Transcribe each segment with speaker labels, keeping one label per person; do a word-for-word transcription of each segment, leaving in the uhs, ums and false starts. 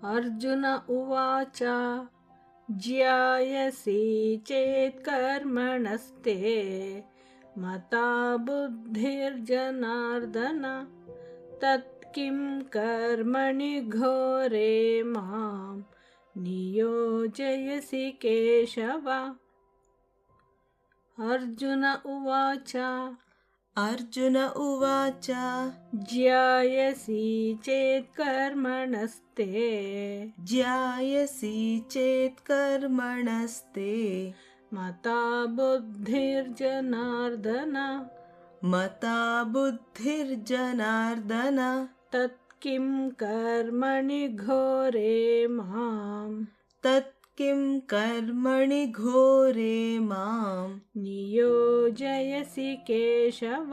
Speaker 1: अर्जुन उवाच ज्यायसि चेत् कर्मणस्ते मता बुद्धिर्जनार्दन तत्किं कर्मणि घोरे मां नियोजयसि केशव। अर्जुन उवाच
Speaker 2: अर्जुन उवाच
Speaker 1: ज्यायसि चेत् कर्मणस्ते
Speaker 2: ज्यायसि चेत् कर्मणस्ते
Speaker 1: मता बुद्धिर्जनार्दन
Speaker 2: मता बुद्धिर्जनार्दन
Speaker 1: तत्किं कर्मणि घोरे मां
Speaker 2: तत्किं कर्मणि घोरे मां
Speaker 1: नियोजयसि केशव।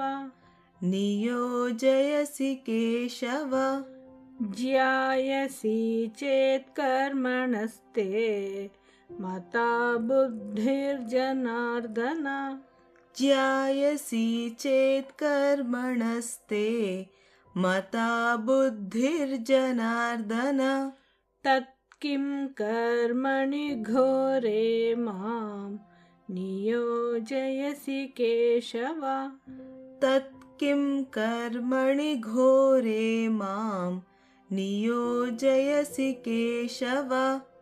Speaker 2: नियोजयसि केशव।
Speaker 1: ज्यायसि चेत् कर्मणस्ते मता बुद्धिर्जनार्दन
Speaker 2: ज्यायसि चेत् कर्मणस्ते मता बुद्धिर्जनार्दन
Speaker 1: तत्किं कर्मणि घोरे मां नियोजयसि केशव।
Speaker 2: तत्किं कर्मणि घोरे मां नियोजयसि केशव।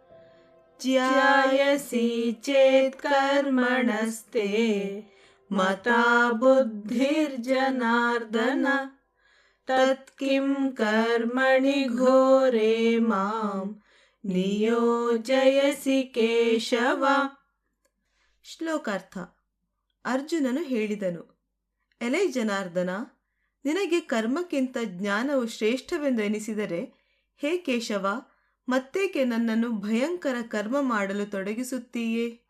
Speaker 2: ज्यायसि चेत् कर्मणस्ते मता बुद्धिर्जनार्दन तत्किं कर्मणि घोरे मां ನಿಯೋಜಯಸಿ ಕೇಶವ. ಶ್ಲೋಕಾರ್ಥ. ಅರ್ಜುನನು ಹೇಳಿದನು, ಎಲೈ ಜನಾರ್ದನ, ನಿನಗೆ ಕರ್ಮಕ್ಕಿಂತ ಜ್ಞಾನವು ಶ್ರೇಷ್ಠವೆಂದು ಎನಿಸಿದರೆ ಹೇ ಕೇಶವ, ಮತ್ತೇಕೆ ನನ್ನನ್ನು ಭಯಂಕರ ಕರ್ಮ ಮಾಡಲು ತೊಡಗಿಸುತ್ತೀಯೇ?